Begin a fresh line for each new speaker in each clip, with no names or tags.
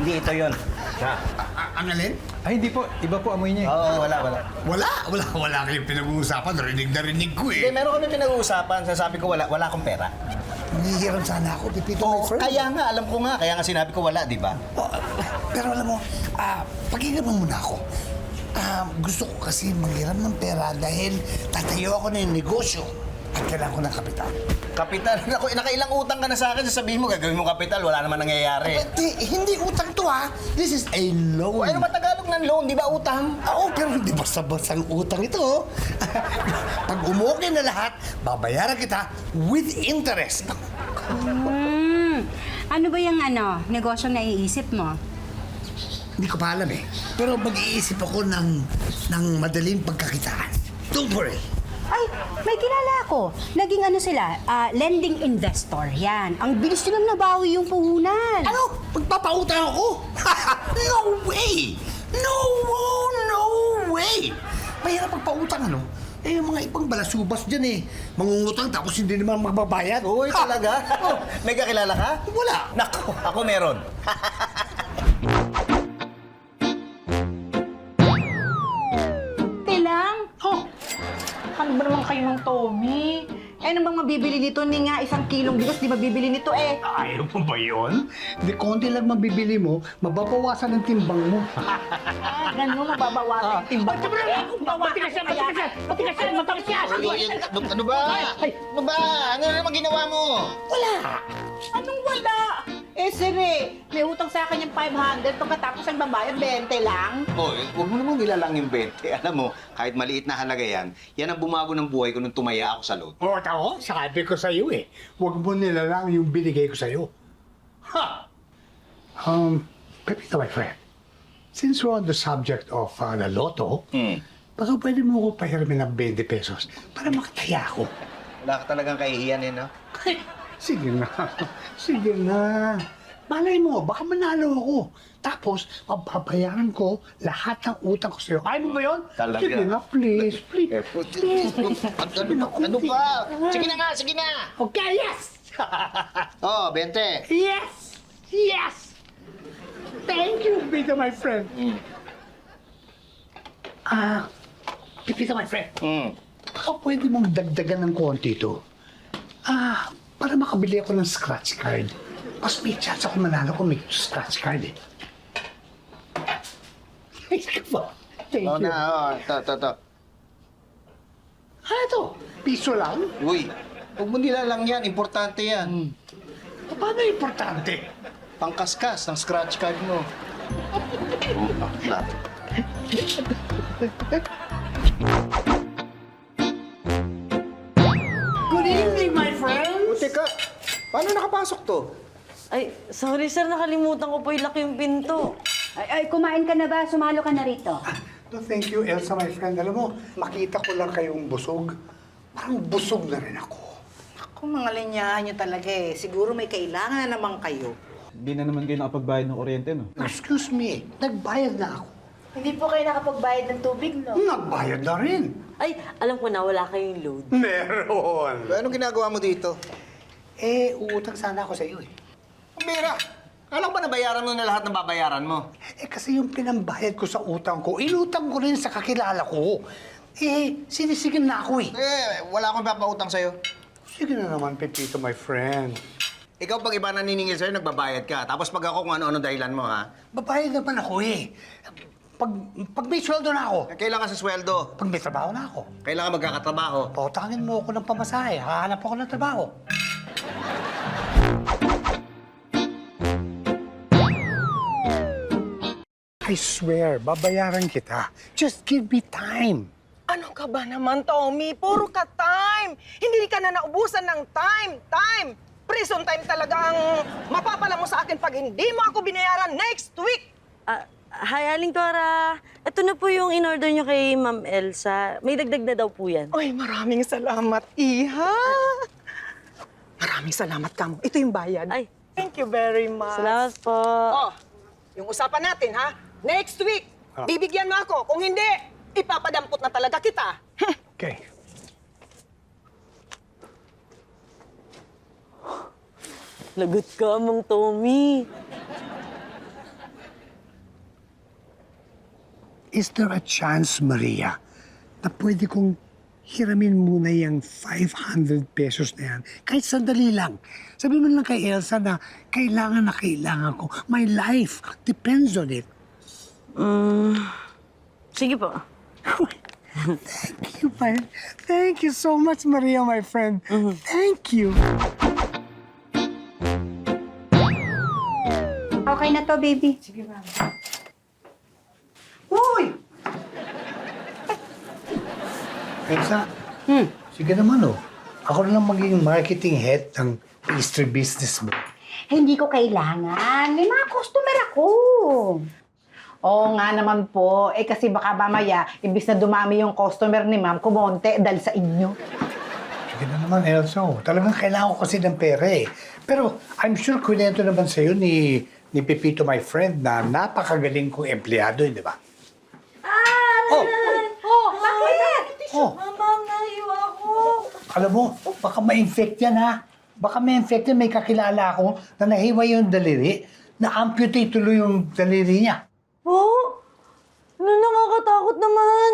Hindi ito yun. Siya.
Ang alin?
Ay, hindi po. Iba po amoy niya.
Oo, wala.
Wala kayong pinag-uusapan. Rinig na rinig ko
Hindi,
eh.
meron kami pinag-uusapan. Sasabi ko wala akong pera.
Nangihiram sana ako, Pipito, my
Oo,
friend.
kaya nga, alam ko nga. Kaya nga sinabi ko wala, di ba?
Oh, pero alam mo, pakinggan mo muna ako. Gusto ko kasi manghiram ng pera dahil tatayo ako ng negosyo at kailangan ko ng kapital.
Kapital. Ako, nakailang utang ka na sa akin. Sasabihin mo, gagawin mo kapital. Wala naman nangyayari.
Hindi utang to ha. This is a loan.
Ano ba Tagalog ng loan? Di ba utang?
Oo, pero hindi basta-basta utang ito. Pag umukay na lahat, babayaran kita with interest.
Ano ba yung negosyo na iisip mo?
Hindi ko pa alam eh. Pero mag-iisip ako ng madaling pagkakitaan. Don't worry.
Ay, may kilala ako. Naging sila, lending investor. Yan. Ang bilis nilang nabawi yung puhunan.
Ano? Magpapautang ako? No way! No way! Mahirap magpautang, ano? Eh, yung mga ibang balasubas dyan eh. Mangungutang tapos hindi naman magbabayad.
Uy, talaga? May kakilala ka?
Wala.
Nako, ako meron.
Lang? Oh, ano ba naman kayo ng Tommy? Ano bang mabibili nito ni nga 1 kilong bigas? Di mabibili nito eh.
Ayaw mo ba yun? Di konti lang mabibili mo, mababawasan ang timbang mo.
Ganun, mababawasan yung timbang.
Matigas yan!
Ano ba? Ano ba? Ano naman ginawa mo?
Anong wala? Eh, sire, may utang sa akin yung 500, pagkatapos ang babayad, 20 lang.
Hoy, huwag mo namang nilalang yung 20. Alam mo, kahit maliit na halaga yan, yan ang bumago ng buhay ko nung tumaya ako sa load.
O, ako, sabi ko sa'yo eh. Huwag mo nilalang yung binigay ko sa'yo. Ha! Pepito, my friend. Since we're on the subject of the lotto, baka pwede mo ko pahiramin ng 20 pesos para makataya ako.
Wala ka talagang kahihiyan eh, no?
Sige na. Sige na. Malay mo, baka manalo ako. Tapos, mababayaran ko lahat ng utang ko sa'yo. Kaya mo ba yun?
Talaga?
Sige na, please. Please.
Ano ba? Sige na nga, sige na!
Okay, yes!
Oh, 20.
Yes! Yes! Thank you, Pipito, my friend. Pipito, my friend. Baka pwede mong dagdagan ng konti ito. Para makabili ako ng scratch card. Mas may chance ako manalo kung may scratch card eh. Thank you.
Ito.
Ito? Piso lang?
Uy, huwag mo nilalang yan. Importante yan.
Paano importante?
Pangkaskas ng scratch card mo.
Good evening, my friends!
Teka, paano nakapasok to?
Ay, sorry sir, nakalimutan ko po ilak yung pinto.
Ay, kumain ka na ba? Sumalo ka na rito.
No, thank you, Elsa, my friend. Alam mo, makita ko lang kayong busog. Parang busog na rin ako.
Kung mga linyahan nyo talaga eh, siguro may kailangan na naman kayo.
Hindi na naman kayo nakapagbayad ng kuryente, no?
Excuse me, nagbayad na ako.
Hindi po kayo nakapagbayad ng tubig, no?
Nagbayad na rin.
Ay, alam ko na, wala kayong load.
Meron.
Anong ginagawa mo dito?
Eh, uutang sana ako sa iyo eh.
Mira, alam ko ba nabayaran mo na lahat ng babayaran mo?
Eh, kasi yung pinambayad ko sa utang ko, inutang ko rin sa kakilala ko. Eh, sinisigil na ako eh.
Wala akong papautang sa'yo.
Sige na naman, Pepito, my friend.
Ikaw pag iba naniningil sa'yo, nagbabayad ka. Tapos pag ako kung ano-ano dahilan mo, ha?
Babayad naman ako eh. Pag may sweldo na ako,
Kailangan sa sweldo.
pag may trabaho na ako,
Kailangan magkakatrabaho.
pautangin mo ako ng pamasahe, hahanap ako ng trabaho. I swear, babayaran kita. Just give me time.
Ano ka ba naman, Tommy? Puro ka time! Hindi ka na naubusan ng time! Prison time talaga ang mapapala mo sa akin pag hindi mo ako binayaran next week!
Hi, Aling Cora. Ito na po yung in-order nyo kay Ma'am Elsa. May dagdag na daw po yan.
Ay, maraming salamat, Iha! Maraming salamat ka mo. Ito yung bayad.
Ay.
Thank you very much.
Salamat po.
Oh, yung usapan natin, ha? Next week, bibigyan mo ako. Kung hindi, ipapadampot na talaga kita.
Okay.
Lagot ka, Mang Tommy.
is there a chance, Maria, na pwede kong hiramin muna yung 500 pesos na yan? Kahit sandali lang. Sabi mo lang kay Elsa na kailangan ko. My life depends on it.
Sige po.
Thank you so much, Maria, my friend. Thank you.
Okay na to, baby.
Uy! Elsa, sige naman Ako na lang magiging marketing head ng pastry business mo.
Hindi ko kailangan. May mga customer ako.
Oo nga naman po. Kasi baka mamaya, imbis na dumami yung customer ni ma'am, kumonte dahil sa inyo.
Sige na naman, Elsa. Talagang kailangan ko kasi ng pera Pero I'm sure kunento naman sa'yo ni Pepito, my friend, na napakagaling kong empleyado, di ba?
Bakit?
Ma'am, nahiwa ako.
Alam mo, baka ma-infect yan, ha? Baka ma-infect yan. May kakilala ako na nahiwa yung daliri, na-amputate tuloy yung daliri niya.
Po? Ano, nakakatakot naman.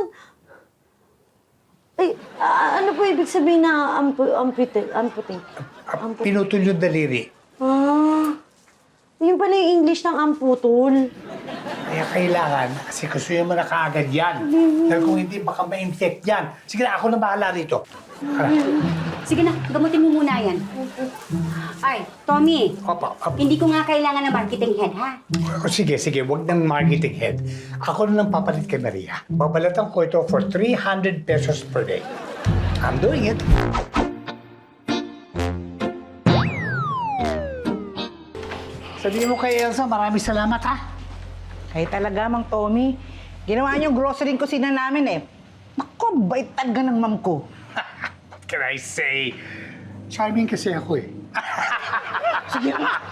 Ay, ano po ibig sabihin na amputate?
Pinutol yung daliri.
Yun pala yung English ng amputol.
Kaya kailangan, kasi gusto mo na kaagad yan. Dahil kung hindi, baka ma-infect yan. Sige na, ako na bahala rito.
Sige na, gamutin mo muna yan. Ay, Tommy.
Opo.
Hindi ko nga kailangan ng marketing head, ha?
Sige, wag ng marketing head. Ako na lang papalit kay Maria. Babalatan ko ito for 300 pesos per day. I'm doing it. Sabihin mo kay Elsa, maraming salamat, ha?
Kaya talaga, Mang Tommy. Ginawa niyo yung grocery ko sina namin Naku, bait talaga ng ma'am ko.
What can I say? Charming kasi ako Sige.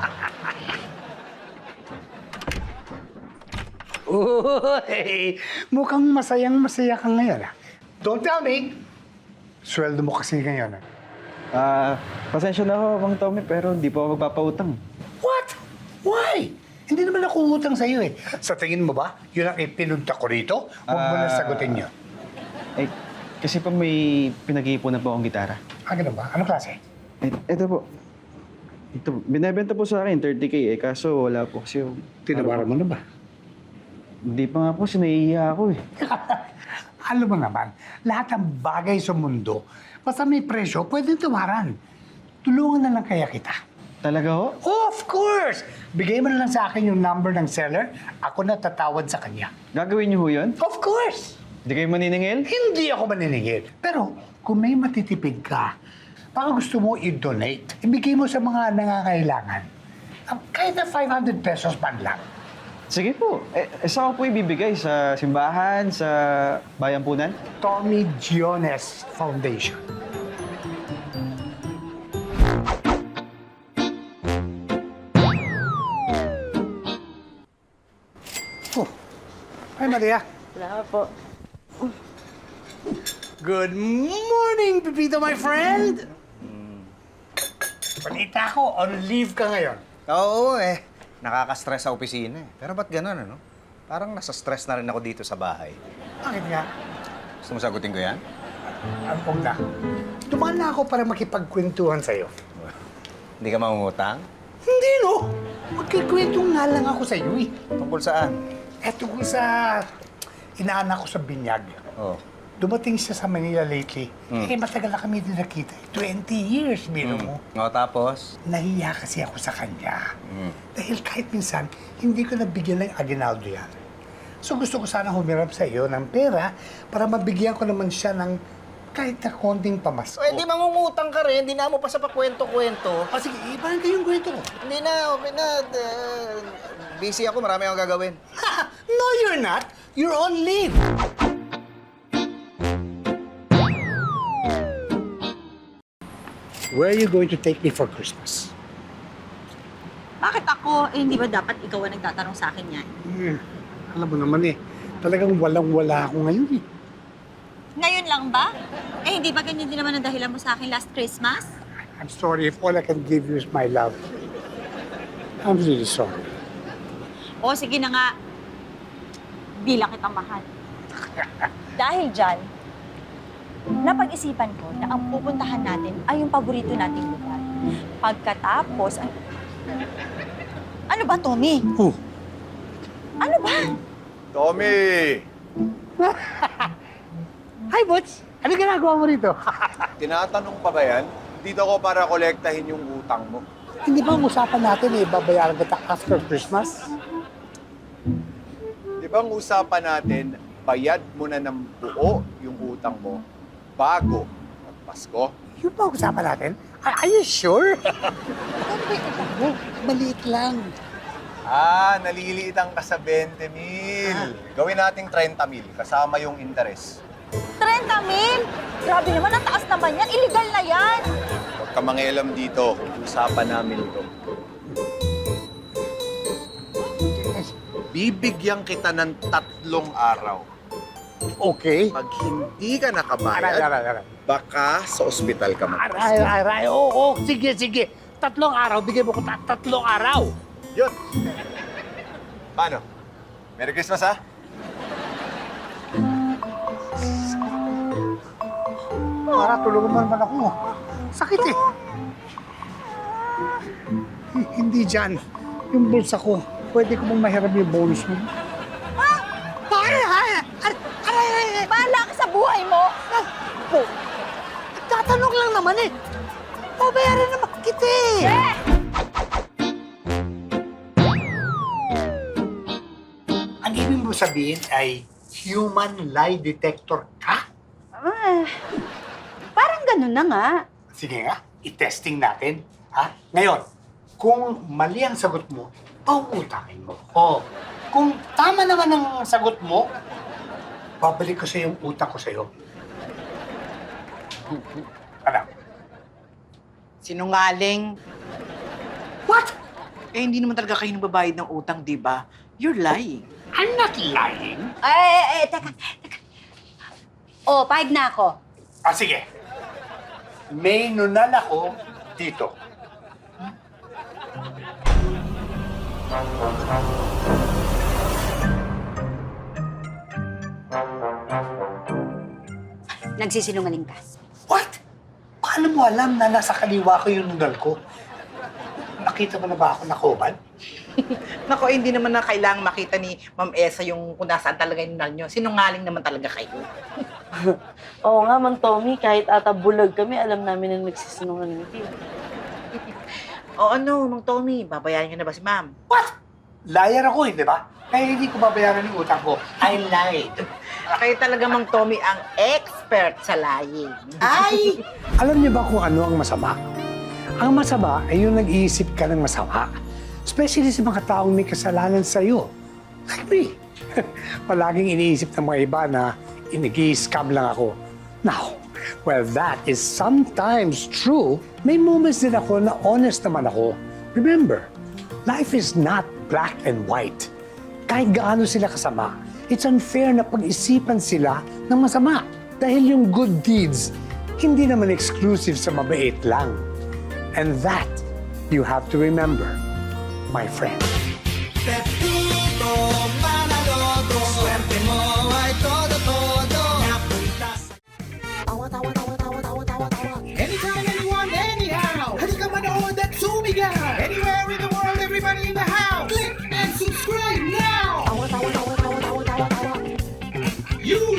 Uy, mukhang masayang-masaya ka ngayon, Don't tell me. Sweldo mo kasi ngayon,
Pasensya na ho, Mang Tommy, pero hindi po ako magpapautang.
What? Why? Hindi naman ako utang sa'yo Sa tingin mo ba, yun ang ipinunta ko rito? Huwag mo na sagutin yun.
Eh, kasi po may pinag-iipunan po akong gitara.
Ganun ba? Anong klase?
Ito po. Ito, binibenta po sa akin, 30K kaso wala po kasi yung...
Tinawaran mo na ba?
Hindi pa nga po, sinahihiya ako
Alam mo naman, lahat ng bagay sa mundo, basta may presyo, pwedeng tawaran. Tulungan na lang kaya kita.
Talaga ho?
Of course! Bigay mo na lang sa akin yung number ng seller, ako na tatawad sa kanya.
Gagawin niyo ho yun?
Of course!
Hindi kayo maniningil?
Hindi ako maniningil. Pero kung may matitipid ka, baka gusto mo i-donate, ibigay mo sa mga nangangailangan. Kahit na 500 pesos man lang.
Sige po. Saan ko po ibibigay? Sa simbahan? Sa bayampunan?
Tommy Giones Foundation. Hi, Maria.
Wala po.
Good morning, Pepito, my friend! Balita ko, on leave ka ngayon.
Oo nakaka-stress sa opisina Pero ba't ganun, ano? Parang nasa-stress na rin ako dito sa bahay.
Bakit nga?
Gusto mo sagutin ko yan?
Huwag na. Tumaan na ako para makipagkwentuhan sa'yo.
Hindi ka mangungutang?
Hindi, no? Magkikwento nga lang ako sa'yo,
Tungkol saan?
Tungkol sa inaanak ko sa binyag.
Oh.
Dumating siya sa Manila lately. Matagal na kami din nakita. 20 years, bino mo.
Tapos?
Nahiya kasi ako sa kanya. Dahil kahit minsan, hindi ko nabigyan ng aginaldo yan. So gusto ko sana humirap sa iyo ng pera para mabigyan ko naman siya ng kahit na konting pamasko.
Di mangungutang ka rin. Hindi na mo pa sa pakwento-kwento.
Sige, ibahan kayong kwento ko.
Hindi na, okay na. Busy ako, marami akong gagawin.
No, you're not. You're on leave. Where are you going to take me for Christmas?
Bakit ako? Hindi ba dapat ikaw ang nagtatanong sa akin yan?
Alam mo naman talagang walang-wala ako ngayon
Ngayon lang ba? Hindi ba ganyan din naman ang dahilan mo sa akin last Christmas?
I'm sorry if all I can give you is my love. I'm really sorry.
O sige na nga, bilang kitang mahal. Dahil dyan, napag-isipan ko na ang pupuntahan natin ay yung paborito nating lugar. Pagkatapos, ano ba, Tommy? Ano ba?
Tommy!
Hi, Butch! Ano ginagawa mo rito?
Tinatanong pa ba yan? Dito ako para kolektahin yung utang mo.
Hindi ba ang usapan natin babayaran kita after Christmas?
Di ba ang usapan natin, bayad mo na ng buo yung utang mo bago magpasko?
Yun ba ang usapan natin? Are you sure? Ano ba yung utang mo? Maliit lang.
Naliliitang ka sa 20,000. Gawin nating 30,000 kasama yung interest.
30,000? Grabe naman, ang taas naman yan. Illegal na yan.
Huwag ka mangialam dito. Usapan namin ito. Bibigyan kita ng 3 araw.
Okay.
Pag hindi ka nakabayad,
Aray.
baka sa ospital ka magpasko.
Aray. Oo, sige. 3 araw. Bigay mo ko 3 araw.
Yun. Paano? Merry Christmas, ha?
Para tulungan mo naman ako. Sakit eh. Hindi dyan. Yung bulsa ko. Pwede ko mong mahiram yung bonus mo. Aray!
Bahala ka sa buhay mo.
Po, tatanong lang naman eh. Babayaran naman kita eh. Ang ibig mo sabihin ay human lie detector ka?
Parang ganun na nga.
Sige nga, i-testing natin. Ha? Ngayon, kung mali ang sagot mo, paungutakin mo. O, kung tama naman ang sagot mo, babalik ko sa yung utak ko sa'yo. Ano?
Sinungaling.
What?
Eh, hindi naman talaga kayo nagbabayad ng utang, di ba? You're lying.
I'm not lying.
Teka. Oh, pahig na ako.
Sige. May nunal ako dito.
Nagsisinungaling ka.
What? Paano mo alam na nasa kaliwa ko yung nunal ko? Nakita mo na ba ako nakubad?
Nako, hindi naman na kailangang makita ni Ma'am Esa yung kung nasaan talaga yung nal nyo. Sinungaling naman talaga kayo.
Oo nga, Mang Tommy, kahit ata bulag kami, alam namin na nagsisinungaling kayo.
O ano, Mang Tommy, babayaran nyo na ba si Ma'am?
What? Liar ako, hindi ba? Kaya hindi ko babayaran yung utang ko. I lied.
Kayo talaga, Mang Tommy, ang expert sa lying.
Ay! Alam niyo ba kung ano ang masama? Ang masama ay yung nag-iisip ka ng masama. Especially sa mga taong may kasalanan sa'yo. Like me. Palaging iniisip ng mga iba na nag-i-scam lang ako. Now, well, that is sometimes true. May moments din ako na honest naman ako. Remember, life is not black and white. Kahit gaano sila kasama, it's unfair na pag-isipan sila ng masama. Dahil yung good deeds, hindi naman exclusive sa mabait lang. And that, you have to remember, my friend.
Anytime, anyone, anyhow. Halika manood at sumigaw. Anywhere in the world, everybody in the house. Click and subscribe now. You